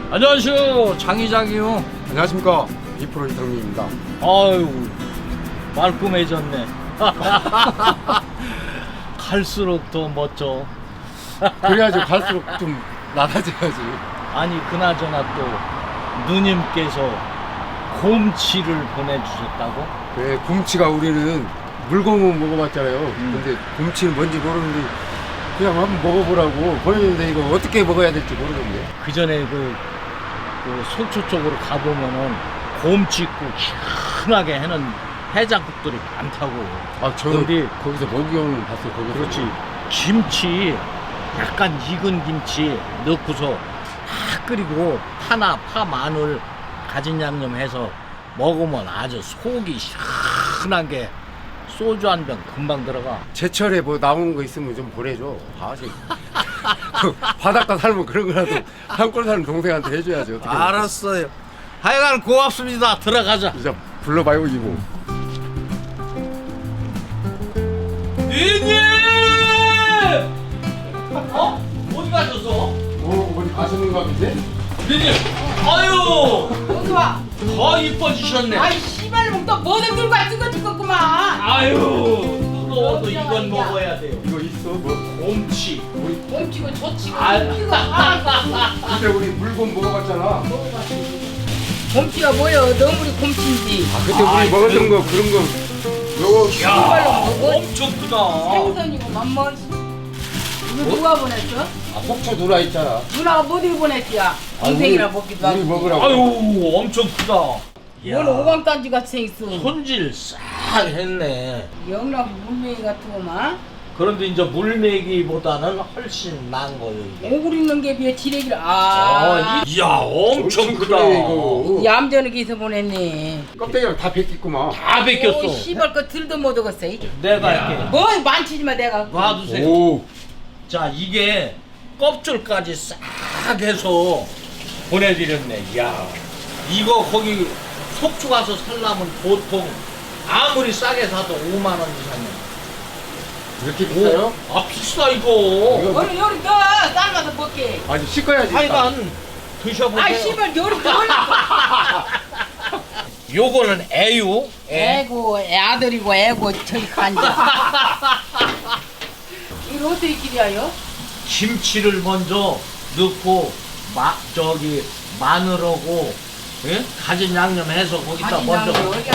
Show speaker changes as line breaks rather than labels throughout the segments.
안녕하세요, 장이장이요.
안녕하십니까, 2% 이상민입니다.
아유, 말끔해졌네. 갈수록 더 멋져.
그래야지 갈수록 좀 낮아져야지.
아니, 그나저나 또 누님께서 곰치를 보내주셨다고?
그래, 곰치가 우리는 물곰은 먹어봤잖아요. 근데 곰치는 뭔지 모르는데 그냥 한번 먹어보라고 보냈는데 이거 어떻게 먹어야 될지 모르겠네.
그 전에 그 속초 쪽으로 가보면은 곰치국 시원하게 해는 해장국들이 많다고.
아, 저는
근데
거기서 먹이오는 봤어요. 거기서.
그렇지. 김치, 약간 익은 김치 넣고서 다 끓이고 파나 파 마늘 가진 양념 해서 먹으면 아주 속이 시원한 게 소주 한 병 금방 들어가.
제철에 뭐 나오는 거 있으면 좀 보내줘. 아직 바닷가 살면 그런 거라도 산골 사는 동생한테 해줘야지. 어떻게
알았어요. 하여간 고맙습니다. 들어가자.
진짜 불러봐요 이모.
누님! 어? 어디 가셨어?
어디 가시는가 본데?
누님! 아유!
어디 와?
더 이뻐지셨네.
아이 씨발놈 또 뭐든 들고 와 뜨거 죽겠구만.
아유! 뜨거워도 이건 먹어야 돼요.
이거 있어 뭐?
곰치.
우리
멈치고 저치고
아.
이거 아.
그때 우리 물곰 먹어봤잖아.
곰치가 뭐여? 너무리 곰치인지.
아 그때 우리
아이,
먹었던 거 그런 거 요거
야,
먹어?
엄청 크다.
생선이고 맘먹. 이거 누가 보냈어?
아, 속초 누나 있잖아.
누나가 뭐 어디 보냈지야? 동생이랑 먹기도
우리
하고.
먹으라고.
아유, 엄청 크다.
뭘 오광단지 같이 생겼어.
손질 싹 했네.
영락 물메이 같은 거만.
그런데 이제 물메기보다는 훨씬 나은 거예요, 이게.
오글 있는 게 비해 지레기를 아.
이야, 엄청 크다.
크네, 이거.
얌전하게 해서 보냈네.
껍데기랑 다 벗겼구만.
다
오
벗겼어.
씨발 거 들도 못 얻었어.
내가 이렇게
뭐 만치지마 내가.
놔두세요.
오.
자, 이게 껍질까지 싹 해서 보내드렸네. 이야, 이거 거기 속초 가서 살려면 보통 아무리 싸게 사도 5만 원 이상이야.
이렇게 비싸요?
아, 비싸 이거.
이거-
오늘 요리 더 삶아서 먹게.
아니 씻어야지.
하여간 드셔보세요.
아이 씨발 요리 더 올려.
요거는 애유.
애고 애아들이고 애고 저기 간자. 이거 어떻게 기대하여?
김치를 먼저 넣고 마늘하고 예? 가진 양념 해서 거기다 먼저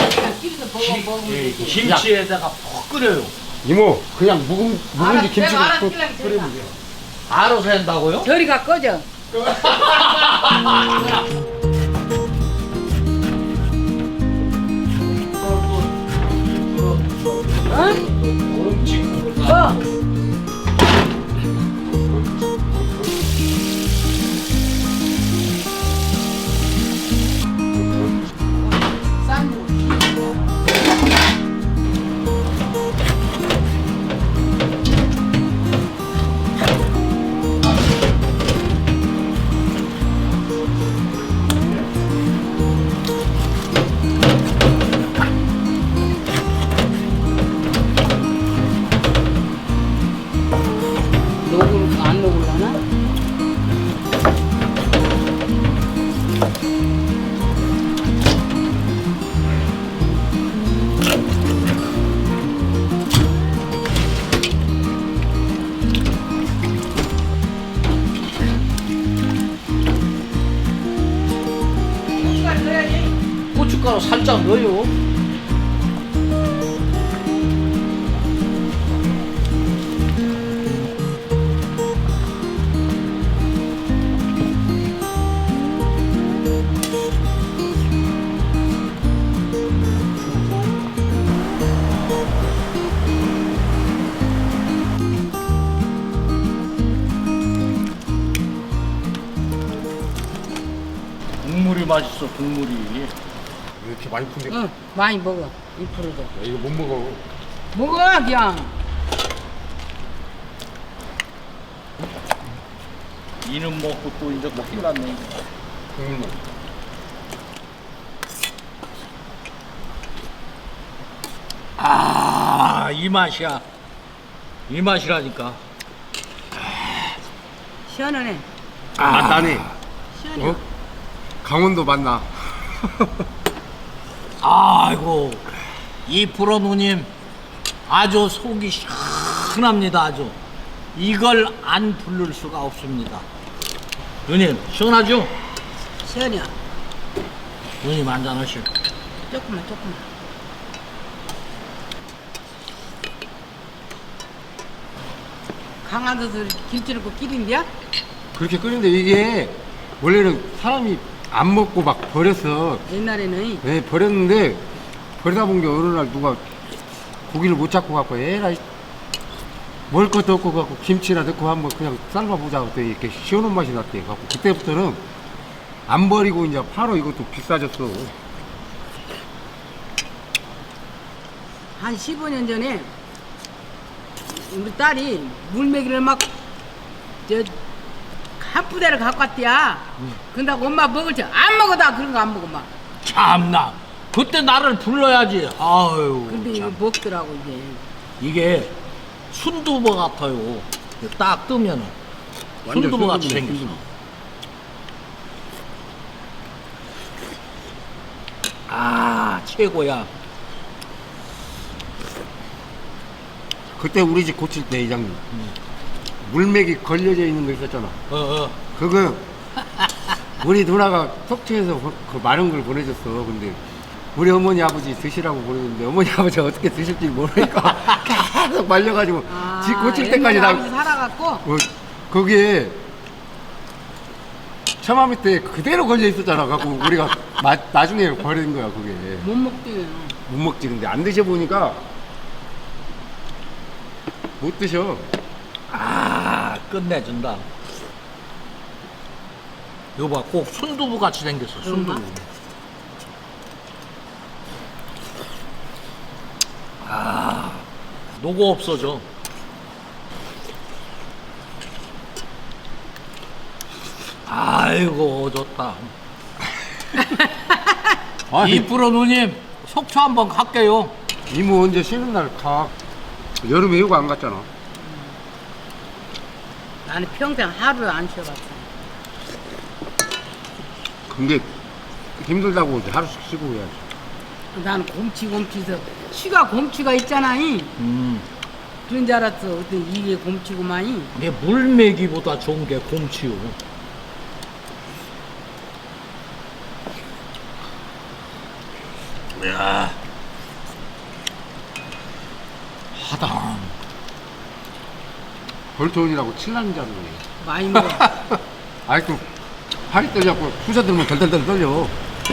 김치에다가 푹 끓여요.
이모 그냥 묵은지 김치
내가 알아서
국
끓이면
끓이면 돼요.
알아서 한다고요?
저리가 꺼져. 어? 뭐? 쌈. 녹을 안 녹을라나?
고춧가루 살짝 넣어요. 국물이 맛있어, 국물이.
이렇게 많이 푼데
응, 많이 먹어. 2%도.
야, 이거 못 먹어.
먹어, 그냥.
이는 먹고 또 이제 큰일 났네. 아, 이 맛이야. 이 맛이라니까.
시원하네.
아, 나네.
시원해.
어? 강원도 맞나?
아이고 이 프로 누님 아주 속이 시원합니다. 아주 이걸 안 부를 수가 없습니다. 누님 시원하죠?
시원이야.
누님 한잔 하시오.
조금만. 강화도에서 김치 넣고 끼린데야?
그렇게 끓는데 이게 원래는 사람이 안 먹고 막 버렸어.
옛날에는
네, 버렸는데 버리다 본 게 어느 날 누가 고기를 못 잡고 갖고 에라이 먹을 것도 없고 갖고 김치나 넣고 한번 그냥 삶아보자 그때 이렇게 시원한 맛이 났대. 갖고 그때부터는 안 버리고 이제 바로 이것도 비싸졌어.
한 15년 전에 우리 딸이 물메기를 막 한 부대를 갖고 왔대야. 근다고 엄마 먹을 줄 안 먹어다 그런 거 안 먹어 막.
참나 그때 나를 불러야지. 아유
근데 이거
참.
먹더라고 이게.
이게 순두부 같아요. 딱 뜨면은
완전
순두부 같이
순두부네,
생겼어.
순두부.
아 최고야.
그때 우리 집 고칠 때 이장님 물맥이 걸려져 있는 거 있었잖아. 그거 우리 누나가 속초에서 그 많은 걸 보내줬어. 근데 우리 어머니 아버지 드시라고 보내줬는데 어머니 아버지 어떻게 드실지 모르니까 계속 말려가지고 집 고칠 때까지 나
살아갖고
거기에 처마 밑에 그대로 걸려 있었잖아. 갖고 우리가 나중에 버린 거야 그게.
못 먹대요.
못 먹지. 근데 안 드셔보니까 못 드셔.
아 끝내준다. 이거 봐, 꼭 순두부 같이 생겼어. 순두부.
그런가?
아 녹어 없어져. 아이고 좋다.
아니,
이프로 누님 속초 한번 갈게요.
이모 언제 쉬는 날 가. 여름에 휴가 안 갔잖아.
나는 평생 하루 안 쉬어봤어.
근데 힘들다고 이제 하루씩 쉬고 해야지.
나는 곰치해서 쉬가 곰치가 있잖아. 그런 줄 알았어. 어떤 이게 곰치구만이.
이게 물메기보다 좋은 게 곰치요. 이야. 하다.
벌토온이라고 칠난자로 해.
많이 먹어.
아이고 팔이 떨려갖고 후자 들면 덜덜덜 떨려.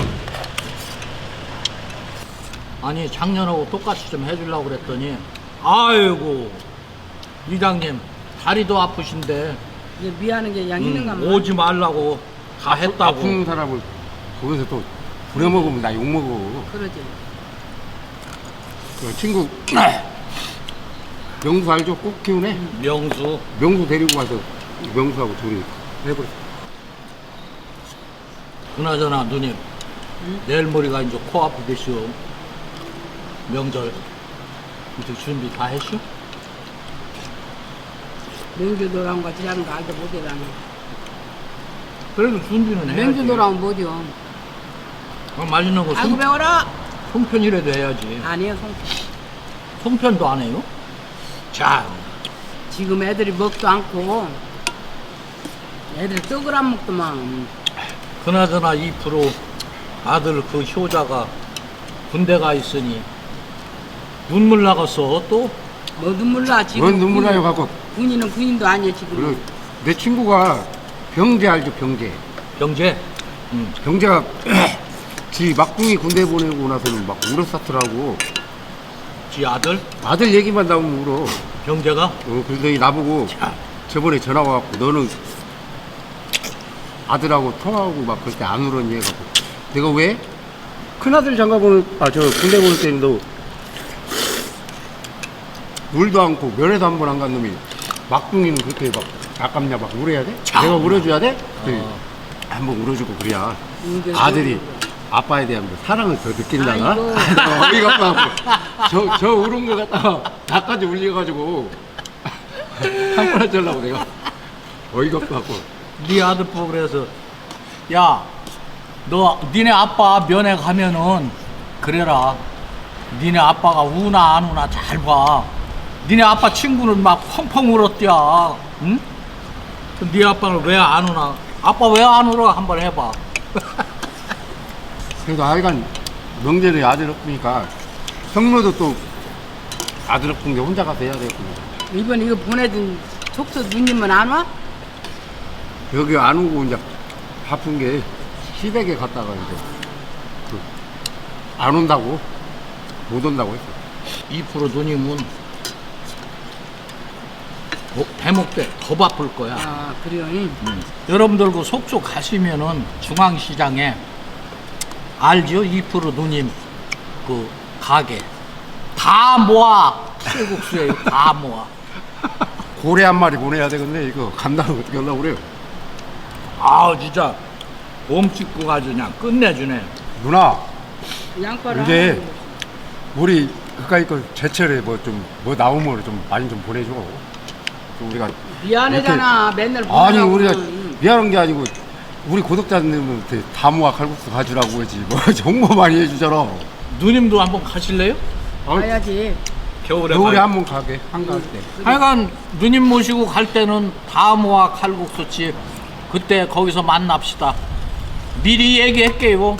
아니 작년하고 똑같이 좀 해주려고 그랬더니 아이고 이장님 다리도 아프신데
이제 미안한 게 양 있는가 봐.
오지 말라고 다 했다고.
아픈 사람을 거기서 또 부려먹으면 나 욕먹어.
그러지.
그 친구 명수 알죠? 꼭 키우네.
명수
명수 데리고 가서 명수하고 둘이 해버렸어.
그나저나 누님 내일 모레가 이제 코앞이겠시오. 명절 이제 준비 다 했슈?
명주 노랑 같이 하는 거 알도 못해 나는.
그래도 준비는 해야지.
명주 노랑 뭐죠?
맛있는 거
아이고 배워라.
송편이라도 해야지.
아니에요 송.
송편도 안 해요? 자
지금 애들이 먹도 않고 애들 떡을 안 먹더만.
그나저나 2% 아들 그 효자가 군대가 있으니 눈물 나갔어 또?
뭐 눈물 나 지금.
뭔 눈물 나요 갖고.
군인은 군인도 아니야 지금.
그리고 내 친구가 병재 알죠? 병재.
병재?
병재가 지 막둥이 군대 보내고 나서는 막 울었었더라고.
지 아들?
아들 얘기만 나오면 울어.
병재가?
그러더니 나보고
자,
저번에 전화 와갖고 너는 아들하고 통화하고 막 그럴 때 안 울었니 해갖고 내가 왜? 큰아들 장가보는 저 군대 보낼 때는 너 울도 않고 면회도 한 번 안 간 놈이 막둥이는 그렇게 막 아깝냐 막 울어야 돼?
참.
내가 울어줘야 돼?
어.
한번 울어주고 그래야
이게
아들이 아빠에 대한 사랑을 더 느낀다나?
아이고.
어이가 없고 저 울은 거 갖다가 나까지 울려가지고 한 번 해주려고 내가 어이가 없고
네 아들 보고 그래서 야 너 니네 아빠 면회 가면은 그래라. 니네 아빠가 우나 안 우나 잘 봐. 니네 아빠 친구는 막 펑펑 울었대야. 응? 그럼 네 아빠는 왜 안 우나? 아빠 왜 안 울어? 한번 해봐.
그래도 하여간 명절에 아들 없으니까 성로도 또 아들 없은 게 혼자 가서 해야 되겠구나.
이번 이거 보내준 촉수 누님은 안 와?
여기 안 오고 이제 바쁜 게 시댁에 갔다가 이제 안 온다고 못 온다고 했어.
2% 누님은 대목 때 더 바쁠 거야.
아 그래요?
여러분들 그 속초 가시면은 중앙시장에 알죠? 2% 누님 그 가게 다 모아 칼국수에 다 모아.
고래 한 마리 보내야 되겠네. 이거 감당을 어떻게 하려고 그래요.
아 진짜 몸 찍고 가지 그냥 끝내주네.
누나
양파를
이제
하나
우리 그까이 거 제철에 뭐 좀 뭐 나오면 좀 많이 좀 보내줘. 좀 우리가
미안하잖아 맨날
아니
보내라고.
우리가 미안한 게 아니고 우리 구독자님한테 다모아 칼국수 가주라고 하지 뭐 홍보 많이 해주잖아.
누님도 한번 가실래요?
가야지.
겨울에
겨울에
가요.
한번 가게 한가할 때.
하여간 누님 모시고 갈 때는 다 모아 칼국수집 그때 거기서 만납시다. 미리 얘기할게요.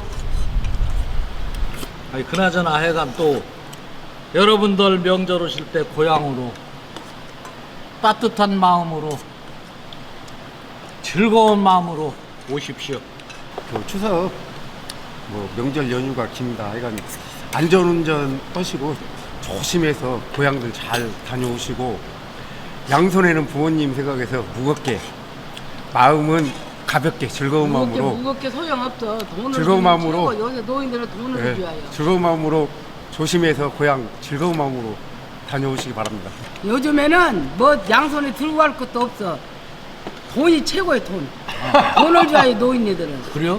아니 그나저나 하여간 또 여러분들 명절 오실 때 고향으로 따뜻한 마음으로 즐거운 마음으로 오십시오.
그 추석 뭐 명절 연휴가 깁니다. 하여간 안전운전 하시고 조심해서 고향들 잘 다녀오시고 양손에는 부모님 생각해서 무겁게 마음은 가볍게 즐거운 마음으로
무겁게 소용없어. 돈을
즐거운
주면
마음으로.
최고. 요새 노인들은 돈을
예,
줘야 해요.
즐거운 마음으로 조심해서 고향 즐거운 마음으로 다녀오시기 바랍니다.
요즘에는 뭐 양손에 들고 갈 것도 없어. 돈이 최고의 돈. 돈을 줘야 해 노인네들은.
그래요?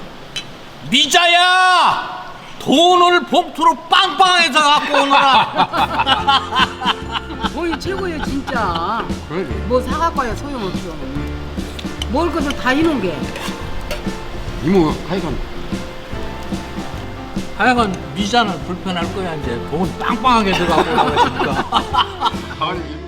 미자야! 돈을 봉투로 빵빵해서 갖고 오너라.
돈이 최고예요 진짜.
그러게.
뭐 사갖고 와야 소용없어. 먹을 것을 다 이놓은 게.
이모 하여간
하여간 미자는 불편할 거야 이제 돈 빵빵하게 들어가고 나가니까.
아니